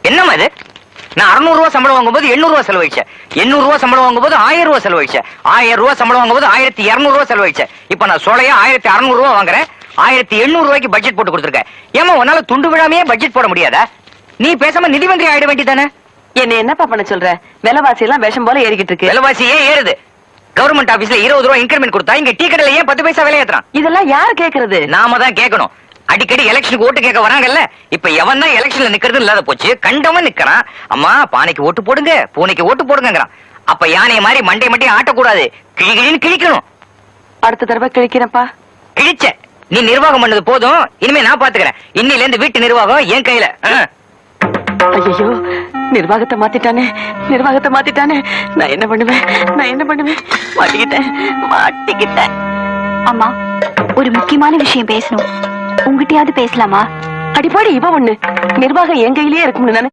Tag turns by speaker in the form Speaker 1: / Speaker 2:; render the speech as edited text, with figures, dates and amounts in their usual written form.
Speaker 1: என்னமா இது? நான் 600 ரூபாய் சம்பளம் வாங்கும்போது 800 ரூபாய் செலவழிச்சேன். 800 ரூபாய் சம்பளம் வாங்கும்போது 1000 ரூபாய் செலவழிச்சேன். 1000 ரூபாய் சம்பளம் வாங்கும்போது 1200 ரூபாய் செலவழிச்சேன். இப்ப நான் சோலையா 1600 ரூபாய் வாங்குறேன். 1800 ரூபாய்க்கு பட்ஜெட் போட்டு கொடுத்துருக்கேன். ஏமா உன்னால துண்டு விழாமையே பட்ஜெட் போட முடியாதா? நீ பேசாம நிதி மந்திரி ஆயிட வேண்டியதானே?
Speaker 2: என்ன என்னப்பா பண்ண சொல்ற? விலைவாசி எல்லாம் விஷம் போல ஏறிக்கிட்டு இருக்கு.
Speaker 1: விலைவாசி ஏன் ஏறுது? கவர்மெண்ட் ஆபீஸ்ல 20 ரூபாய் இன்கிரிமெண்ட் கொடுத்தா இங்க டீ கடையில ஏன் 10 பைசா விலை ஏத்துறான்?
Speaker 2: இதெல்லாம் யாரு கேக்குறது?
Speaker 1: நாம தான் கேட்கணும். அடிக்கடி எலெக்ஷனுக்கு ஓட்டு கேட்க வராங்கல்ல, இப்ப எவன் தான் எலெக்ஷன்ல நிக்கிறது இல்லாத போச்சு. கண்டவன் நிக்கிறான். அம்மா பானைக்கு ஓட்டு போடுங்க, பூனைக்கு ஓட்டு போடுங்கிறான். அப்ப யானைய மாதிரி மண்டை மண்டை ஆட்டக்கூடாது, கிழிகிழின்னு கிழிக்கணும்.
Speaker 2: அடுத்த தடவை கிழிக்கிறப்பா.
Speaker 1: கிழிச்ச நீ நிர்வாகம் பண்ணது போதும், இனிமே நான் பாத்துக்கிறேன். இன்னில இருந்து வீட்டு நிர்வாகம் என் கையில.
Speaker 2: ஐயோ, நிர்வாகத்தை மாத்திட்டானே. நான் என்ன பண்ணுவேன்? மாட்டிக்கிட்டேன்.
Speaker 3: அம்மா, ஒரு முக்கியமான விஷயம் பேசணும். உங்ககிட்டயாவது பேசலாமா?
Speaker 2: அடிப்பாடி இவ ஒண்ணு நிர்வாகம் என் கையிலேயே இருக்கும்னு